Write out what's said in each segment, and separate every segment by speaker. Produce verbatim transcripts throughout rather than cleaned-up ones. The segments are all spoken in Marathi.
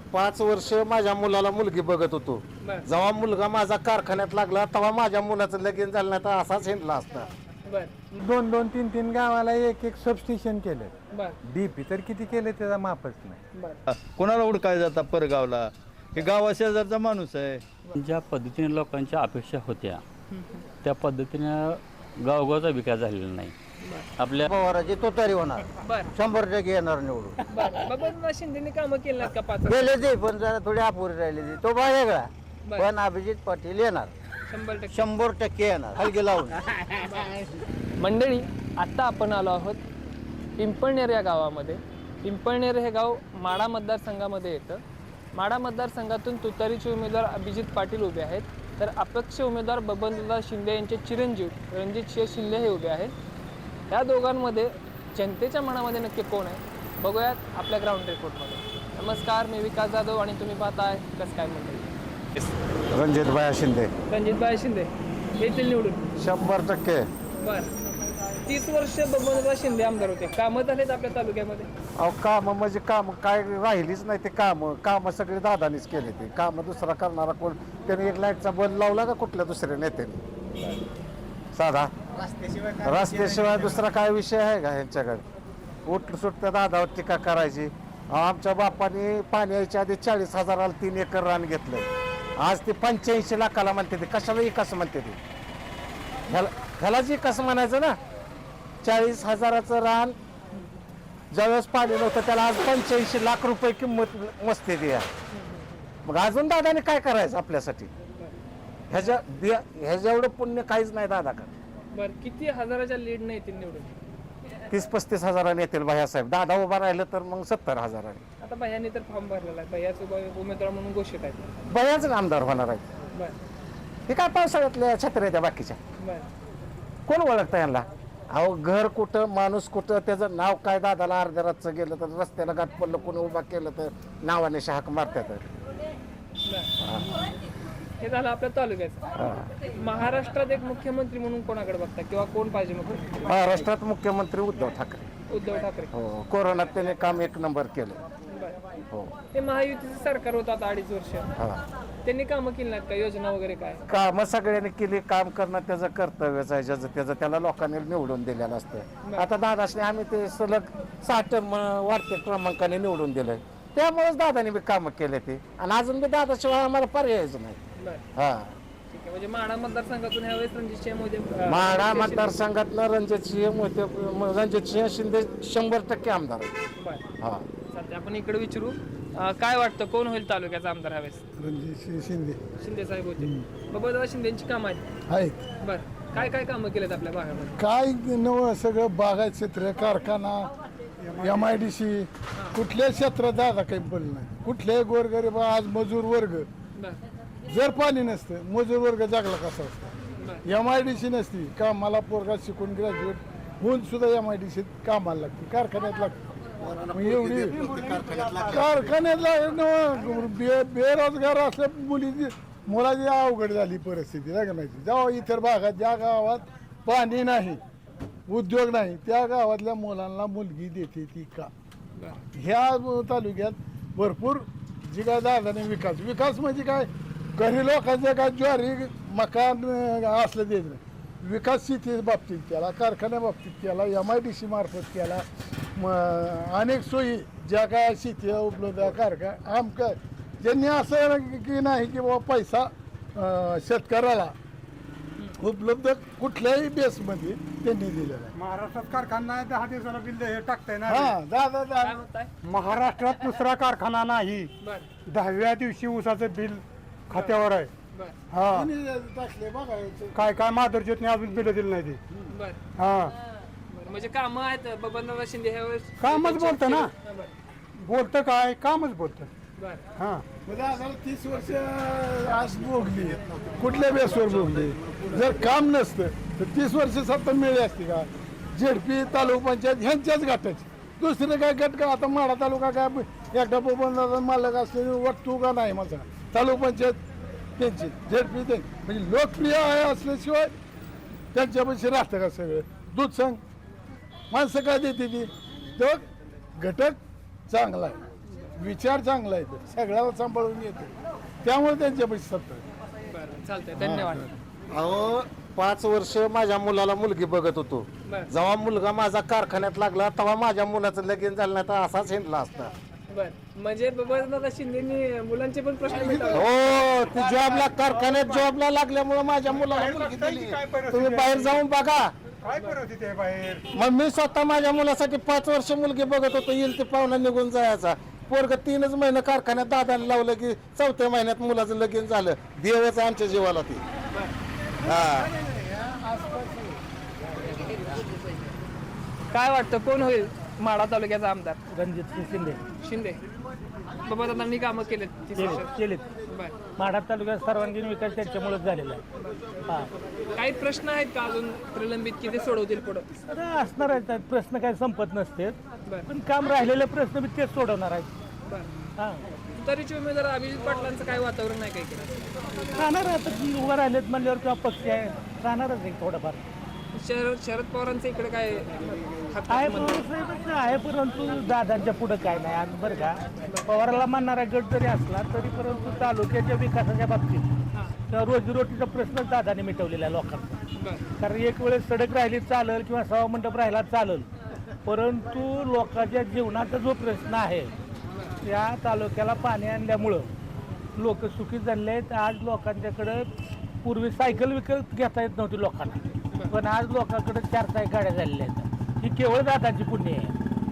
Speaker 1: पाच वर्ष माझ्या मुलाला मुलगी बघत होतो.
Speaker 2: बर
Speaker 1: जेव्हा मुलगा माझा कारखान्यात लागला तेव्हा माझ्या मुलाचं लगीन झालं नाही तर असाच हिंडला असता.
Speaker 2: बर
Speaker 3: दोन दोन तीन तीन गावाला एक एक सबस्टेशन केलं.
Speaker 2: बर
Speaker 3: डीपी तर किती केले त्याचा मापच नाही.
Speaker 2: बर
Speaker 4: कोणाला उडकाय जाता परगावला हे गावा शेजारचा माणूस आहे.
Speaker 5: ज्या पद्धतीने लोकांच्या अपेक्षा होत्या त्या पद्धतीने गावगावचा विकास झालेला नाही. आपल्या
Speaker 6: पवाराची तो तरी होणार,
Speaker 2: बर
Speaker 6: शंभर टक्के येणार निवडून.
Speaker 2: बर बाबा शिंदेनी कामं केली नाहीत का पाच वर्ष?
Speaker 6: गेले ते पण जरा थोडी अपुरी राहिली ती, तो वेगळा.
Speaker 2: बर.
Speaker 6: पण अभिजित पाटील येणार,
Speaker 2: शंभर टक्के
Speaker 6: शंभर टक्के येणार, हलगी लावून.
Speaker 2: मंडळी आत्ता आपण आलो आहोत पिंपळनेर या गावामध्ये. पिंपळनेर हे गाव माढा मतदारसंघामध्ये येतं. माढा मतदारसंघातून तुतारीचे उमेदवार अभिजित पाटील उभे आहेत, तर अपक्ष उमेदवार बबनदादा शिंदे यांचे चिरंजीव रणजितसिंह शिंदे हे उभे आहेत. या दोघांमध्ये जनतेच्या मनामध्ये नक्की कोण आहे बघूयात आपल्या ग्राउंड रिपोर्टमध्ये. नमस्कार, मी विकास जाधव आणि तुम्ही पाहताय कसं काय मंडळी.
Speaker 1: रणजितभाई शिंदे
Speaker 2: रणजितभाई शिंदे येथील निवडून
Speaker 1: शंभर टक्के.
Speaker 2: बर तीस वर्ष बबनदादा शिंदे आमदार होते. कामं झालेत आपल्या तालुक्यामध्ये?
Speaker 1: अहो काम म्हणजे काम काय राहिलीच नाही. ते काम काम सगळे दादानीच केले. ते काम दुसरा करणारा कोण? त्याने एक लाईटचा बल्ब लावला का कुठल्या दुसऱ्या नेत्याने? साधा रस्त्याशिवाय दुसरा काय विषय आहे का ह्यांच्याकडे? उठ सुटत्या दादावर टीका करायची. आमच्या बापाने पाणी यायच्या आधी चाळीस हजाराला तीन एकर रान घेतलं. आज ते पंच्याऐंशी लाखाला म्हणते. ते कशाला विकास म्हणते? ते ह्याला ह्यालाच विकास म्हणायचं ना. चाळीस हजाराचं रान ज्यावेळेस पाणी नव्हतं त्याला आज पंच्याऐंशी लाख रुपये किंमत मस्ते द्या. मग अजून दादाने काय करायचं आपल्यासाठी? ह्याच्या ह्याच्या एवढं पुण्य काहीच नाही दादाकडे.
Speaker 2: बर किती हजाराच्या लीड नाही येतील निवडून?
Speaker 1: तीस पस्तीस हजाराने येतील भैयासाहेब. दादा उभा राहिलं तर मग सत्तर हजाराने.
Speaker 2: आता भैयाने तर फॉर्म भरलेला आहे, भैयाच उमेदवार म्हणून घोषित आहेत.
Speaker 1: भैयाच आमदार होणार आहे.
Speaker 2: बर
Speaker 1: हे काय पावसाळ्यातल्या छत्र्या त्या बाकीच्या
Speaker 2: बर
Speaker 1: कोण ओळखतं यांना? अहो घर कुठं माणूस कुठं त्याचं नाव काय? दादाला अर्ध्या रातचं गेलं तर रस्त्याला गाठ पडलं कोणी उभा केलं तर नावाने हाक मारतात.
Speaker 2: हे झालं आपल्या तालुक्याचं. महाराष्ट्रात एक मुख्यमंत्री म्हणून कोणाकडे बघता किंवा कोण पाहिजे मग?
Speaker 1: महाराष्ट्रात मुख्यमंत्री उद्धव ठाकरे.
Speaker 2: उद्धव ठाकरे.
Speaker 1: हो कोरोनात त्याने काम एक नंबर केलं.
Speaker 2: बर
Speaker 1: हो
Speaker 2: हे महायुतीचं सरकार होतं आता अडीच वर्ष.
Speaker 1: हा
Speaker 2: त्यांनी कामं केली नाहीत का? योजना वगैरे काय?
Speaker 1: काम सगळ्यांनी केली. काम करणं त्याचं कर्तव्यच आहे. ज्याचं त्याचं त्याला लोकांनी निवडून दिलेलं असतं. आता दादाशने आम्ही ते सलग साठ वाढत्या क्रमांकाने निवडून दिलंय. त्यामुळेच दादाने बी कामं केले ते. आणि अजून बी दादाशिवाय आम्हाला पर्यायच नाही.
Speaker 2: बर
Speaker 1: हा
Speaker 2: ठीक आहे. म्हणजे माढा मतदारसंघातून ह्यावेळेस रणजितसिंह मोदी
Speaker 1: माढा मतदारसंघातनं रणजितसिंह मोहिते रणजितसिंह शिंदे शंभर टक्के आमदार आहे.
Speaker 2: बर
Speaker 1: हा
Speaker 2: चालतंय, आपण इकडे विचारू. अं, काय वाटतं कोण होईल तालुक्याचा आमदार ह्यावेळेस?
Speaker 3: रणजित शिंदे
Speaker 2: शिंदे साहेब होते. बबनदादा शिंदेची कामं आहेत.
Speaker 3: आहेत.
Speaker 2: बर काय काय कामं केलेत आपल्या भागामध्ये?
Speaker 3: काय नवं सगळं बागायत क्षेत्र, कारखाना, एम आय डी सी, कुठल्याच क्षेत्रात दादा काही बोललं नाही. कुठल्याही गोरगरीब आज मजूर वर्ग
Speaker 2: बर
Speaker 3: जर पाणी नसतं मजूर वर्ग जागला कसा असता?
Speaker 2: बर
Speaker 3: एम आय डी सी नसती कामाला पोरगा शिकून ग्रॅज्युएट होऊन सुद्धा एम आय डी सीत कामाला लागते, कारखान्यात लागते. मग एवढी कारखान्यातला बे बेरोजगार असल्या मुलीची मुलाची अवघड झाली परिस्थिती नाही का माहिती? जेव्हा इतर भागात ज्या गावात पाणी नाही उद्योग नाही त्या गावातल्या मुलांना मुलगी देते ती का? ह्या तालुक्यात भरपूर जी काय दादाने विकास विकास म्हणजे काय घरी लोकांचं काय ज्वारी मकान असलं देत नाही. विकास शेती बाबतीत केला, कारखान्या बाबतीत केला, एम आय डी सी मार्फत केला. मग अनेक सोयी ज्या काय शेती उपलब्ध कारखाना आम काय ज्यांनी असं की नाही की बाबा पैसा शेतकऱ्याला उपलब्ध कुठल्याही बेसमध्ये त्यांनी दिलेला आहे.
Speaker 7: महाराष्ट्रात कारखाना दहा दिवसाला बिल हे टाकताय ना.
Speaker 3: हा दादा
Speaker 2: काय
Speaker 3: दादा
Speaker 2: म्हणताय?
Speaker 7: महाराष्ट्रात दुसरा कारखाना नाही.
Speaker 2: बर
Speaker 7: दहाव्या दिवशी ऊसाचं बिल खात्यावर आहे.
Speaker 2: बर
Speaker 7: हा
Speaker 3: टाकले बघायचं
Speaker 7: काय काय माधुरज्योतने अजून बिल दिलं नाही ते.
Speaker 2: बर
Speaker 7: हा
Speaker 2: बर म्हणजे कामं आहेत बबनदादा शिंदे ह्यावेळेस?
Speaker 7: कामच बोलतं ना.
Speaker 2: हा, बर
Speaker 7: बोलतं काय कामच बोलतं.
Speaker 2: बर
Speaker 7: हा
Speaker 3: दादाला तीस वर्ष आज भोगली कुठल्या बेसवर भोगली? जर काम नसतं तर तीस वर्ष सत्ता मिळली असती का? झेडपी तालुका पंचायत ह्यांच्याच गटाची दुसरं काय गट का? आता माढा तालुका काय एकटा बबनदादा मालक असलेली वाटतो का नाही? माझा तालुका पंचायत त्यांची झेडपी ते म्हणजे लोकप्रिय आहे असल्याशिवाय त्यांच्यापाशी राहतं का सगळं? दूध सांग माणसं काय देते ती? तो घटक चांगला आहे. विचार चांगला आहे तो. सगळ्याला सांभाळून येते त्यामुळे त्यांच्यापाशी सत्ता आहे.
Speaker 2: बरं चालतंय धन्यवाद.
Speaker 1: अहो पाच वर्ष माझ्या मुलाला मुलगी बघत होतो.
Speaker 2: बरं.
Speaker 1: जेव्हा मुलगा माझा कारखान्यात लागला तेव्हा माझ्या मुलाचं लगीन झालं नाही तर असाच हिंडला असता.
Speaker 2: बर म्हणजे बबनदादा शिंदेनी मुलांचे पण प्रश्न मिटवले.
Speaker 1: हो ती जॉबला कारखान्यात जॉबला लागल्यामुळे माझ्या मुलाला मुलगी दिली. तुम्ही बाहेर जाऊन बघा.
Speaker 7: काय परिस्थिती आहे बाहेर?
Speaker 1: मग मी स्वतः माझ्या मुलासाठी पाच वर्ष मुलगी बघत होतो. येईल ते पाहुणा निघून जायचा. पोरग तीनच महिने कारखान्यात दादाला लावलं की चौथ्या महिन्यात मुलाचं लगीन झालं. देवच आमच्या जीवाला ती. हा
Speaker 2: काय वाटतं कोण होईल माढा तालुक्याचा आमदार?
Speaker 8: रणजित सिंग शिंदे
Speaker 2: शिंदे. बबनदादांनी कामं केलेत तीस
Speaker 8: केले
Speaker 2: वर्षात.
Speaker 8: केलेत
Speaker 2: बर
Speaker 8: माढा तालुक्यात सर्वांगीण विकास त्यांच्यामुळेच झालेला आहे. हा
Speaker 2: काही प्रश्न आहेत का अजून प्रलंबित की ते सोडवतील पुढं?
Speaker 8: तर असणार आहेत त्यात प्रश्न काही संपत नसते
Speaker 2: बर
Speaker 8: पण काम राहिलेले प्रश्न बी तेच सोडवणार आहेत.
Speaker 2: बर
Speaker 8: हा
Speaker 2: तुतारीचे उमेदवार अभिजित पाटलांचं काय वातावरण नाही काय केलं?
Speaker 8: राहणार आता उभं राहिलेत म्हणल्यावर किंवा पक्ष आहे राहणारच आहे थोडंफार.
Speaker 2: शरद शरद पवारांचं इकडे काय हक्क
Speaker 8: आहे
Speaker 2: म्हणतात?
Speaker 8: पण आहे परंतु दादांच्या पुढं काय नाही आज बरं का पवाराला मानणारा गट जरी असला तरी परंतु तालुक्याच्या विकासाच्या बाबतीत तर रोजीरोटीचा प्रश्नच दादाने मिटवलेला आहे लोकांचा.
Speaker 2: बर
Speaker 8: कारण एक वेळेस सडक राहिली चालेल किंवा सभा मंडप राहिला चालेल परंतु लोकांच्या जीवनाचा जो प्रश्न आहे त्या तालुक्याला पाणी आणल्यामुळं लोक सुखी झाले आहेत. आज लोकांच्याकडं पूर्वी सायकल विकत घेता येत नव्हती लोकांना पण आज लोकांकडे चार चाक गाड्या झालेल्या आहेत. ही केवळ दादाची पुण्य आहे.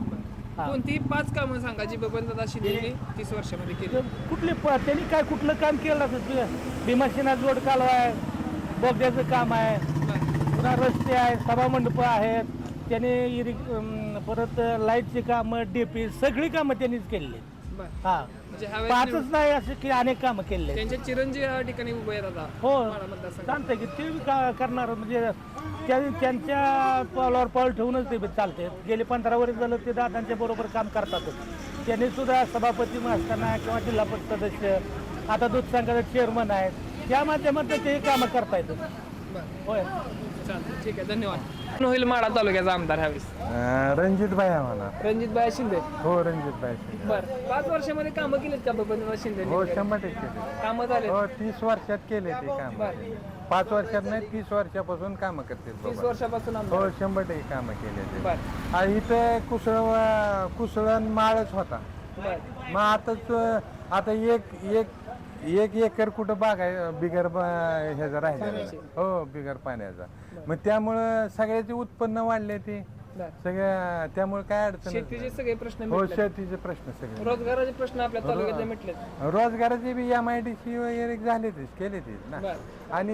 Speaker 8: हा.
Speaker 2: कोणती पाच कामं सांगा जी बबनदादा शिंदेनी तीस वर्षामध्ये केली?
Speaker 8: तर कुठले प- त्यांनी काय कुठलं काम केलं असं भीमासेना जोड कालवा आहे बोगद्याचं काम आहे पुन्हा रस्ते आहेत सभामंडपं आहेत त्यांनी इरि अं, परत लाईटची कामं डीपी सगळी कामं त्यांनीच केलेली आहेत.
Speaker 2: बर
Speaker 8: हा
Speaker 2: म्हणजे ह्यावेळेस
Speaker 8: पाचच नाही असे की अनेक कामं केलेली आहेत.
Speaker 2: त्यांचे चिरंजीव या ठिकाणी उभे आहेत आता
Speaker 8: हो
Speaker 2: माढा मतदारसंघात.
Speaker 8: चालतंय की ते बी का करणार म्हणजे त्या त्यांच्या पावलावर पाऊल ठेवूनच ते बी चालते. गेले पंधरा वर्ष झालं ते दादांच्या बरोबर काम करतातच. त्यांनी सुद्धा सभापती असताना किंवा जिल्हा परिषद सदस्य आता दूध संघाचे चेअरमन आहेत त्या माध्यमातून ते कामं करता येतात.
Speaker 2: बर
Speaker 8: होय
Speaker 2: चालतं ठीक आहे धन्यवाद. कोण होईल माढा तालुक्याचा आमदार ह्यावेळेस?
Speaker 1: रणजित भाई आम्हाला.
Speaker 2: रणजित भाई शिंदे.
Speaker 1: हो रणजित भाई.
Speaker 2: बर पाच वर्षामध्ये कामं केलीत का बबनदादा शिंदे?
Speaker 1: हो शंभर टक्के.
Speaker 2: कामं झाले
Speaker 1: हो तीस वर्षात केले ते काम.
Speaker 2: बर
Speaker 1: पाच वर्षात नाही तीस वर्षापासून कामं करते.
Speaker 2: तीस वर्षापासून आमदार.
Speaker 1: हो शंभर टक्के कामं केले ते.
Speaker 2: बर
Speaker 1: आ, इथं कुसळ कुसळण माळच होता.
Speaker 2: बर
Speaker 1: मग आताच आता एक एक एक एकर कुठं बाग आहे बिगर ब- ह्याचा राहिला. हो बिगर पाण्याचा. मग त्यामुळं सगळ्याचे उत्पन्न वाढले ते
Speaker 2: बर
Speaker 1: सगळ्या त्यामुळे काय अडचण
Speaker 2: शेतीचे सगळे प्रश्न
Speaker 1: हो
Speaker 2: मिटले.
Speaker 1: शेतीचे प्रश्न सगळे.
Speaker 2: रोजगाराचे प्रश्न आपल्या तालुक्यातले मिटलेत.
Speaker 1: रोजगाराचे B M I D C वगैरे झाले तेच केले तेच ना.
Speaker 2: बर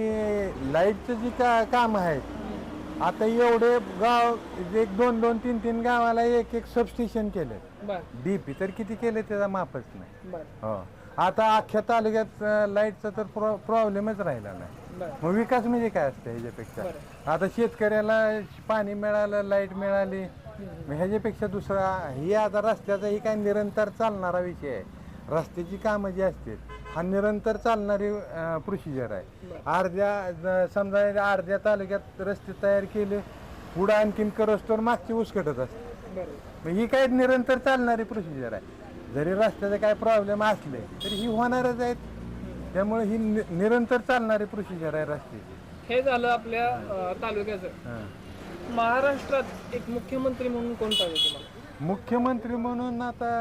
Speaker 1: आणि लाईटचं जी का काम आहेत आता एवढे गाव एक दोन दोन तीन तीन गावाला एक एक सबस्टेशन केले.
Speaker 2: बर
Speaker 1: डीपी तर किती केले त्याचा मापच नाही.
Speaker 2: बर
Speaker 1: हो आता अख्ख्या तालुक्यात लाईटचा तर प्रॉ प्रॉब्लेमच राहिला नाही.
Speaker 2: बर
Speaker 1: मग विकास म्हणजे काय असतं ह्याच्यापेक्षा?
Speaker 2: बरं.
Speaker 1: आता शेतकऱ्याला पाणी मिळालं लाईट मिळाली मग ह्याच्यापेक्षा दुसरा ही आता रस्त्याचा ही काय निरंतर चालणारा विषय आहे. रस्त्याची कामं जी असतील हा निरंतर चालणारी प्रोसिजर आहे. अर्ध्या ज- समजा अर्ध्या तालुक्यात रस्ते तयार केले पुढं आणखीन करस तर मागची उसकटत असते.
Speaker 2: बर
Speaker 1: मग ही काय निरंतर चालणारी प्रोसिजर आहे. जरी रस्त्याचे काय प्रॉब्लेम असले तरी ही होणारच आहेत. त्यामुळे ही नि- निरंतर चालणारी प्रोसिजर आहे रस्त्याची.
Speaker 2: हे झालं आपल्या अं, तालुक्याचं.
Speaker 1: हां.
Speaker 2: महाराष्ट्रात एक मुख्यमंत्री म्हणून कोण पाहिजे तुम्हाला?
Speaker 1: मुख्यमंत्री म्हणून आता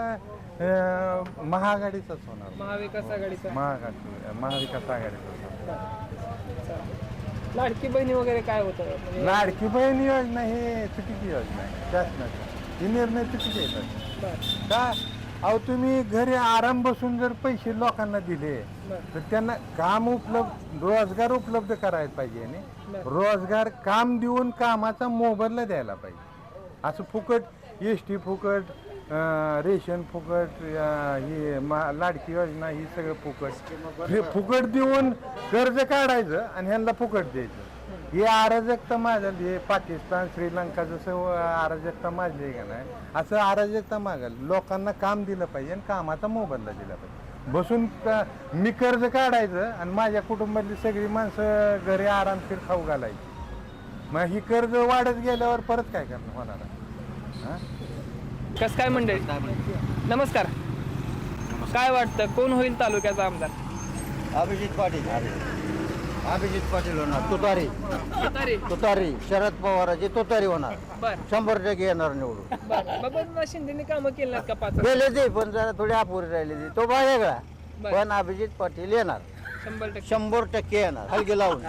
Speaker 1: अं, महाआघाडीचाच होणार.
Speaker 2: महाविकास आघाडीचा.
Speaker 1: महाआघाडी महाविकास आघाडीचाच होणार.
Speaker 2: चालेल. लाडकी बहिणी वगैरे काय होतं म्हणजे?
Speaker 1: लाडकी बहीण योजना ही चुकीची योजना आहे शासनाची. ही निर्णय चुकीचे येतात.
Speaker 2: बर
Speaker 1: का अहो तुम्ही घरी आराम बसून जर पैसे लोकांना दिले
Speaker 2: बर
Speaker 1: तर त्यांना काम उपलब्ध रोजगार उपलब्ध करायला पाहिजे आणि
Speaker 2: बरं.
Speaker 1: रोजगार काम देऊन कामाचा मोबदला द्यायला पाहिजे. असं फुकट एस टी फुकट अं, रेशन फुकट अं, ही मा लाडकी योजना ही सगळं फुकट हे फुकट देऊन कर्ज काढायचं आणि ह्यांना फुकट द्यायचं. ही अराजकता माजली. हे पाकिस्तान श्रीलंका जसं अराजकता माजली आहे का नाही असं अराजकता मागल. लोकांना काम दिलं पाहिजे आणि कामाचा मोबदला दिला पाहिजे. बसून का- मी कर्ज काढायचं आणि माझ्या कुटुंबातली सगळी माणसं घरी आरामशीर खाऊ घालायची. मग ही कर्ज वाढत गेल्यावर परत काय करणार होणार आहे? हां
Speaker 2: कस काय मंडळी नमस्कार. काय वाटतं कोण होईल तालुक्याचा आमदार?
Speaker 6: अभिजित पाटील अभिजित पाटील होणार. तुतारी
Speaker 2: तुतारी.
Speaker 6: तुतारी शरद पवाराची तुतारी होणार.
Speaker 2: बर
Speaker 6: शंभर टक्के येणार निवडून.
Speaker 2: बर बाबा शिंदेनी कामं केली नाहीत का पाच?
Speaker 6: गेले ते पण जरा थोडी अपुरी राहिली ती तो वेगळा.
Speaker 2: बर.
Speaker 6: पण अभिजित पाटील येणार.
Speaker 2: शंभर टक्के.
Speaker 6: शंभर टक्के येणार हलगी लावून.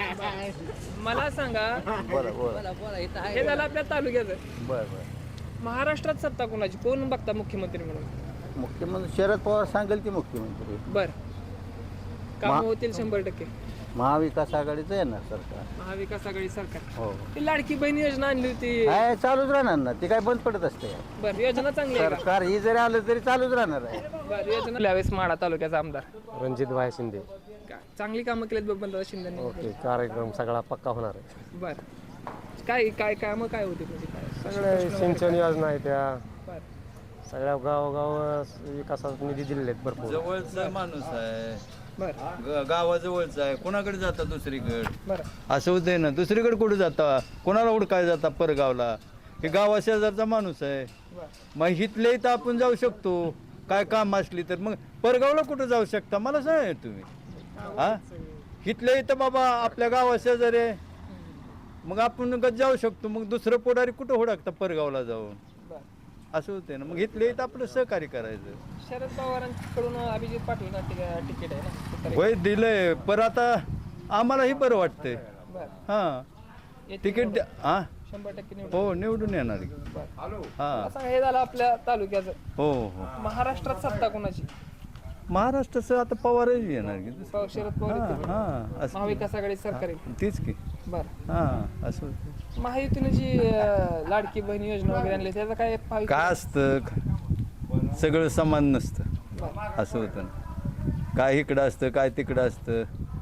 Speaker 2: मला सांगा,
Speaker 6: बरं बरं
Speaker 2: हे झालं आपल्या तालुक्याचं.
Speaker 6: बरं बरं
Speaker 2: महाराष्ट्रात सत्ता कोणाची, कोण बघता मुख्यमंत्री म्हणून?
Speaker 6: मुख्यमंत्री शरद पवार सांगेल की मुख्यमंत्री.
Speaker 2: बर काम
Speaker 6: मा-
Speaker 2: होतील शंभर टक्के.
Speaker 6: महाविकास आघाडीचं येणार सरकार.
Speaker 2: महाविकास आघाडी सरकार.
Speaker 6: हो
Speaker 2: ती लाडकी बहीण योजना आणली होती.
Speaker 6: काय चालूच राहणार ना ती काय बंद पडत असते.
Speaker 2: बर योजना चांगली आहे का?
Speaker 6: सरकार ही जरी आलं तरी चालूच राहणार आहे.
Speaker 2: बर योजना यावेळेस माढा तालुक्याचा आमदार
Speaker 1: रणजित भाई शिंदे.
Speaker 2: काय चांगली कामं केलीत बबनदादा शिंदेनी.
Speaker 1: ओके, कार्यक्रम सगळा पक्का होणार आहे.
Speaker 2: बर काय काय कामं काय होती म्हणजे काय?
Speaker 1: सगळे सिंचन योजना आहे त्या
Speaker 2: बर
Speaker 1: सगळ्या गावोगाव विकासाचा निधी दिलेले आहेत भरपूर.
Speaker 4: जवळचा माणूस आहे,
Speaker 2: बर
Speaker 4: ग- गावाजवळचा आहे, कोणाकडे जाता दुसरीकडे
Speaker 2: बर
Speaker 4: असं होतंय ना. दुसरीकडे कुठे जाता, कोणाला हुडकाय जाता परगावला? हे गावा शेजारचा माणूस आहे.
Speaker 2: बर
Speaker 4: मग इथले इथं आपण जाऊ शकतो, काय काम असली तर. मग परगावला कुठं जाऊ शकता मला सांगा तुम्ही. हा इथले इथं बाबा आपल्या गावा शेजारी आहे, मग आपण गं जाऊ शकतो. मग दुसरं पुढारी कुठं हुडकता परगावला जाऊन?
Speaker 2: बर
Speaker 4: असं होतंय ना. मग इथले इथं आपलं सहकार्य करायचं.
Speaker 2: शरद पवारांकडून अभिजित पाटील तिकीट आहे ना तुतारी.
Speaker 4: वय दिलंय, पर आता आम्हालाही बरं वाटतंय.
Speaker 2: बर
Speaker 4: हा
Speaker 2: येतील
Speaker 4: तिकीट द्या. हा
Speaker 2: शंभर टक्के निवडून.
Speaker 4: हो निवडून येणार की. हा
Speaker 2: असं हे झालं आपल्या तालुक्याचं.
Speaker 4: हो हो
Speaker 2: महाराष्ट्रात सत्ता कोणाची?
Speaker 4: महाराष्ट्राचं आता पवारही येणार की.
Speaker 2: प- शरद पवार
Speaker 4: हा
Speaker 2: येतील.
Speaker 4: हा असं
Speaker 2: महाविकास आघाडी सरकार येईल.
Speaker 4: तीच की.
Speaker 2: बर
Speaker 4: हा असं होतं.
Speaker 2: महायुतीने जी अं, लाडकी बहीण योजना वगैरे आणली त्याचा काय फायदा?
Speaker 4: काय असतं, सगळं समान नसतं.
Speaker 2: बर
Speaker 4: असं होतं ना. काय इकडं असतं काय तिकडं असतं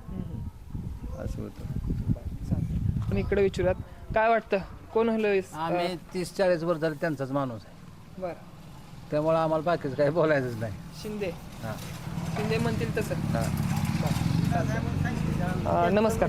Speaker 4: असं होतं.
Speaker 2: पण इकडे विचारूयात काय वाटतं कोण होईल?
Speaker 9: आम्ही तीस चाळीस वर्ष झाले त्यांचाच माणूस आहे,
Speaker 2: बर
Speaker 9: त्यामुळे आम्हाला बाकीचं काही बोलायचंच नाही.
Speaker 2: शिंदे.
Speaker 9: हा.
Speaker 2: शिंदे म्हणतील तसं.
Speaker 9: हा.
Speaker 2: अं, नमस्कार.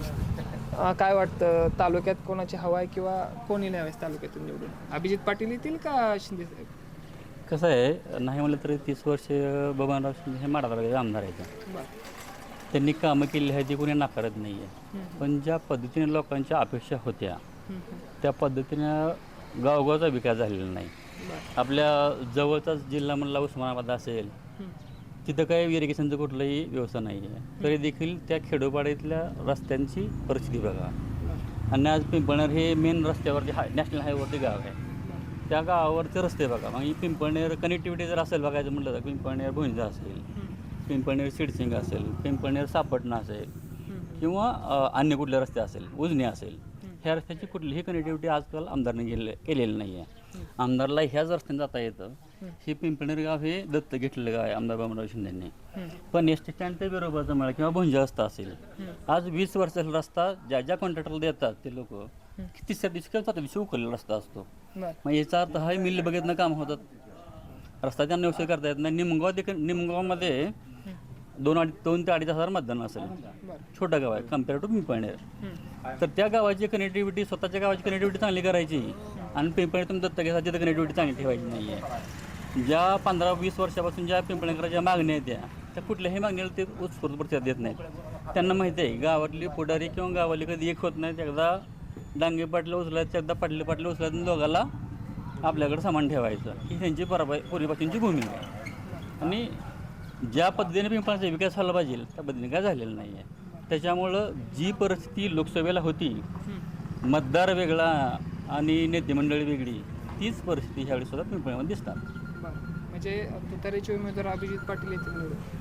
Speaker 2: अं, काय वाटतं तालुक्यात कोणाची हवा आहे किंवा कोणी न्यावेस तालुक्यातून निवडून? अभिजित पाटील येतील का शिंदे साहेब?
Speaker 5: कसं आहे, नाही म्हणलं तरी तीस वर्ष बबनराव शिंदे हे माढा तालुक्याचे आमदार आहेत.
Speaker 2: बर
Speaker 5: त्यांनी कामं केली आहे ती कोणी नाकारत नाही आहे. पण ज्या पद्धतीने लोकांच्या अपेक्षा होत्या त्या पद्धतीनं गावगावचा विकास झालेला नाही. आपल्या जवळचाच जिल्हा म्हणला उस्मानाबाद असेल, तिथं काही इरिगेशनचं कुठलाही व्यवस्था नाही आहे. तरी देखील त्या खेडोपाड्यातल्या रस्त्यांची परिस्थिती बघा. आणि आज पिंपळनेर हे मेन रस्त्यावरती हाय नॅशनल हायवेवरती गाव आहे. त्या गावावरचे रस्ते बघा. मग ही पिंपळनेर कनेक्टिव्हिटी जर असेल बघायचं म्हटलं तर पिंपळनेर भुंजा असेल, पिंपळनेर सिडसिंग असेल, पिंपळनेर सापटणा असेल किंवा अ, अन्य कुठले रस्ते असेल, उजनी असेल, ह्या रस्त्याची कुठलीही कनेक्टिव्हिटी आजकाल आमदारने गेले केलेली नाही आहे. आमदारला ह्याच रस्त्याने जाता येतं. हे पिंपळनेर गाव हे दत्त घेतलेलं गाव आहे आमदार बबनराव शिंदेंनी. पण एस टी स्टँड ते बरोबरचा म्हणा किंवा भुंजा रस्ता असेल, आज वीस वर्षाचा रस्ता ज्या ज्या कॉन्ट्रॅक्टरला देतात ते लोक तिसऱ्या दिवशी किंवा चौथ्या दिवशी उकललेला रस्ता असतो.
Speaker 2: बर
Speaker 5: मग याचा अर्थ हा मिल बघितनं काम होतात, रस्ता त्यांना व्यवस्थित करता येत नाही. निमगाव देखील निमगावमध्ये दोन अडी दोन ते अडीच हजार मतदान असेल. छोटं गाव आहे कम्पेअर टू पिंपळनेर. तर त्या गावाची कनेक्टिव्हिटी, स्वतःच्या गावाची कनेक्टिव्हिटी चांगली करायची आणि पिंपळनेर दत्त घ्यायची तर कनेक्टिव्हिटी चांगली ठेवायची नाही आहे. ज्या पंधरा वीस वर्षापासून ज्या पिंपळनेरच्या मागण्या आहेत त्या त्या कुठल्याही मागणीला ते उत्स्फूर्त प्रतिसाद देत नाहीत. त्यांना माहिती आहे गावातली पुढारी किंवा गावाली कधी एक होत नाहीत. एकदा डांगे पाटले उचलायचं, एकदा पाटले पाटले उचलायचं, दोघाला आपल्याकडे सामान ठेवायचं ही त्यांची पराबाई पूर्वीपासूनची भूमिका आहे. आणि ज्या पद्धतीने पिंपळाचा विकास झाला पाहिजे त्या पद्धतीने काय झालेला नाही आहे. त्याच्यामुळं जी परिस्थिती लोकसभेला होती, मतदार वेगळा आणि नेते मंडळी वेगळी, तीच परिस्थिती ह्यावेळी सुद्धा पिंपळामध्ये दिसतात.
Speaker 2: म्हणजे तुतारीचे उमेदवार अभिजित पाटील येतील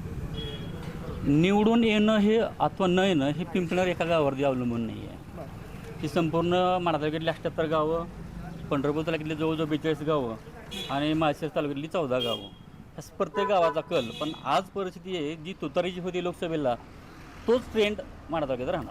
Speaker 2: निवडून.
Speaker 5: निवडून येणं हे अथवा न येणं हे पिंपळनेर एका गावावरती अवलंबून नाही आहे. ती संपूर्ण माढा तालुक्यातली अठ्ठ्याहत्तर गावं, पंढरपूर तालुक्यातली जवळजवळ बेचाळीस गावं आणि माळशिरस तालुक्यातली चौदा गावं, ह्या प्रत्येक गावाचा कल. पण आज परिस्थिती आहे जी तुतारीची होती लोकसभेला, तोच ट्रेंड माढा तालुक्यात राहणार.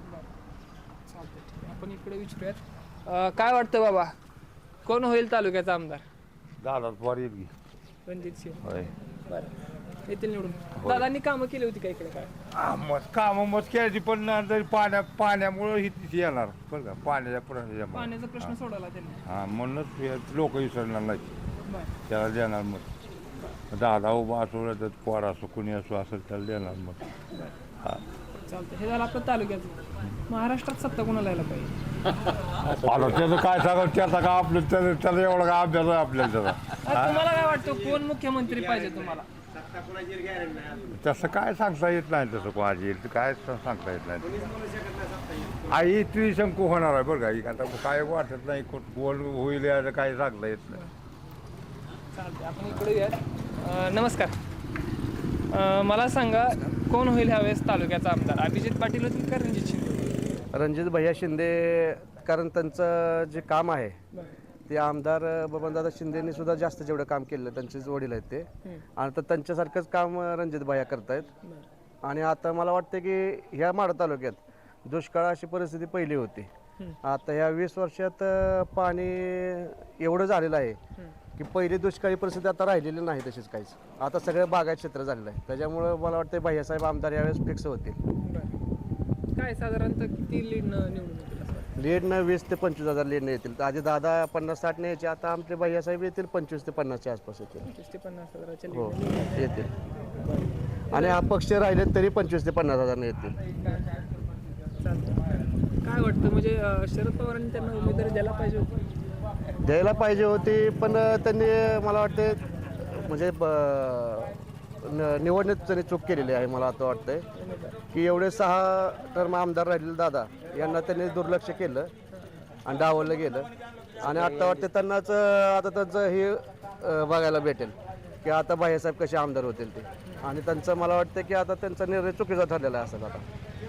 Speaker 2: आपण इकडे विचारूयात. अं, काय वाटतं बाबा कोण होईल तालुक्याचा आमदार?
Speaker 7: दादा पवार येईल की.
Speaker 2: रणजित सिंह.
Speaker 7: होय.
Speaker 2: बरं येतील निवडून. दादांनी कामं केली होती का इकडे काय?
Speaker 7: हा, मग कामं मत केली पण ना तरी पाण्या पाण्यामुळं ही तिथे येणार बरं का पाण्याच्या प्रश्न
Speaker 2: पाण्याचा प्रश्न सोडवला त्यांनी.
Speaker 7: हा म्हणूनच लोक विसरणार नाही
Speaker 2: बरं
Speaker 7: त्याला देणार मत. दादा उभा असो तर पोर असो कुणी असो असेल त्याला देणार मग हा
Speaker 2: चालतं. हे झालं आपलं तालुक्याचं. महाराष्ट्रात सत्ता कोणाला यायला पाहिजे?
Speaker 7: आलो त्याचं काय सांगा त्याचा का आपलं त्याला त्याला एवढा का अभ्यास आहे आपल्याला त्याचा
Speaker 2: आज तुम्हाला काय वाटतं कोण मुख्यमंत्री पाहिजे तुम्हाला?
Speaker 7: तसं काय सांगता येत नाही तसं कोणाची येईल काय सांगता येत नाही. आई ती शंकू होणार आहे बरं का आता काय वाटत नाही कोण होईल याचं काय सांगता येत नाही.
Speaker 2: चालते. आपण इकडे या. अं, नमस्कार. अं, मला सांगा कोण होईल ह्यावेळेस तालुक्याचा आमदार? अभिजित पाटील होतील का रणजित शिंदे?
Speaker 10: रणजित भैया शिंदे, कारण त्यांचं जे काम आहे ते आमदार बबनदादा शिंदेनी सुद्धा जास्त जेवढं काम केलं, त्यांचेच वडील आहेत ते, आणि तर त्यांच्यासारखंच काम रणजित भैया करतायत. आणि आता मला वाटतं की ह्या माढा तालुक्यात दुष्काळ अशी परिस्थिती पहिली होती. आता ह्या वीस वर्षात पाणी एवढं झालेलं आहे की पहिली दुष्काळी परिस्थिती आता राहिलेली नाही तशीच काहीच. आता सगळं बागायत क्षेत्र झालेलं आहे. त्याच्यामुळं मला वाटतं भैयासाहेब आमदार यावेळेस फिक्स होतील.
Speaker 2: काय साधारणतः किती लीड निवडून येतील असं वाटतं?
Speaker 10: लीडनं वीस ते पंचवीस हजार लीडनं येतील. आधी दादा पन्नास साठ ने यायचे, आता आमचे भैयासाहेब येतील पंचवीस ते पन्नासच्या आसपास येतील.
Speaker 2: पंचवीस ते पन्नास हजाराच्या
Speaker 10: हो
Speaker 2: lead ने
Speaker 10: येतील. आणि अपक्ष राहिले तरी पंचवीस ते पन्नास हजार येतील.
Speaker 2: चालतं. काय वाटतं म्हणजे अं, शरद पवारांनी त्यांना उमेदवारी द्यायला पाहिजे होती?
Speaker 10: द्यायला पाहिजे होती, पण त्यांनी मला वाटते म्हणजे ब- न- निवडणूक त्यांनी चूक केलेली आहे. मला आता वाटतंय की एवढे सहा टर्म आमदार राहिलेले दादा यांना त्यांनी दुर्लक्ष केलं आणि डावललं गेलं. आणि आता वाटते त्यांनाच आता त्यांचं हे अं, बघायला भेटेल की आता भाईसाहेब कसे आमदार होतील ते. आणि त्यांचं मला वाटतं की आता त्यांचा निर्णय चुकीचा ठरलेला असेल आता.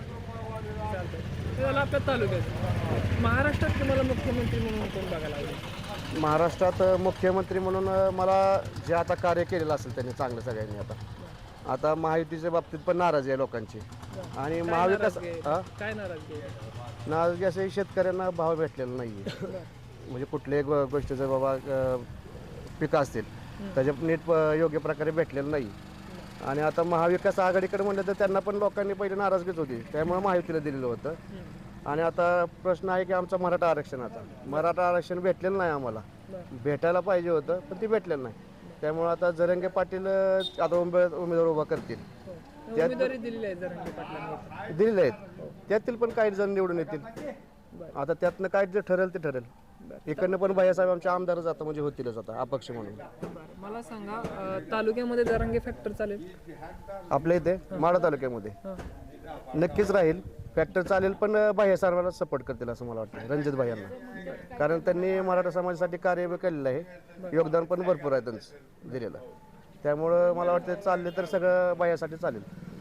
Speaker 2: हे झालं आपल्या तालुक्यात. महाराष्ट्रात तुम्हाला मुख्यमंत्री म्हणून कोण बघायला आवडेल?
Speaker 10: महाराष्ट्रात मुख्यमंत्री म्हणून मला जे आता कार्य केलेलं असेल त्यांनी चांगलं सगळ्यांनी, आता आता महायुतीच्या बाबतीत पण नाराजी आहे लोकांची. आणि
Speaker 2: काय
Speaker 10: महाविकास
Speaker 2: नाराजगी आहे?
Speaker 10: हा?
Speaker 2: काय नाराजगी आहे?
Speaker 10: नाराजगी असे शेतकऱ्यांना भाव भेटलेला नाही आहे. म्हणजे कुठल्याही गो- गोष्टीचं बाबा अ, पिकं असतील त्याचे नीट प- योग्य प्रकारे भेटलेलं नाही. आणि आता महाविकास आघाडीकडे म्हणलं तर त्यांना पण लोकांनी पहिले नाराजगीच होती, त्यामुळे महायुतीला दिलेलं होतं. आणि आता प्रश्न आहे की आमचा मराठा आरक्षणाचा मराठा आरक्षण भेटलेलं नाही आम्हाला. भेटायला पाहिजे होतं पण ते भेटलेलं नाही. त्यामुळे आता जरंगे पाटील अ, आता उमेद उमेदवार उभा करतील. त्यात-
Speaker 2: उमेदवारी दिलेली आहे जरांगे पाटलांनी.
Speaker 10: दिलेले आहेत, त्यातील पण काही जण निवडून येतील. आता त्यातनं काय जे ठरेल ते ठरेल. इकडनं पण भैयासाहेब आमचे आमदार जातं म्हणजे होतीलच आता अपक्ष म्हणून.
Speaker 2: बरं. मला सांगा अं, तालुक्यामध्ये जरांगे फॅक्टर चालेल?
Speaker 10: आपल्या इथे माढा तालुक्यामध्ये नक्कीच राहील फॅक्टर चालेल, पण भैयासाहेबांना सपोर्ट करतील असं मला वाटतं, रणजित भैयांना. कारण त्यांनी मराठा समाजासाठी कार्य केलेलं आहे, योगदान पण भरपूर आहे त्यांचं दिलेलं. त्यामुळं मला वाटतं चालले तर सगळं भैयासाठी चालेल.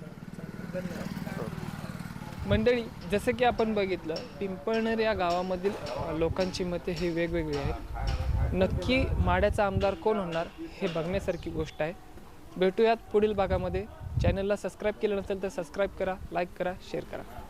Speaker 2: मंडळी, जसं की आपण बघितलं पिंपळनेर या गावामधील अ, लोकांची मते ही वेगवेगळी आहेत. नक्की माढ्याचा आमदार कोण होणार हे बघण्यासारखी गोष्ट आहे. भेटूयात पुढील भागामध्ये. चॅनलला सबस्क्राईब केलं नसेल तर सबस्क्राईब करा, लाईक करा, शेअर करा.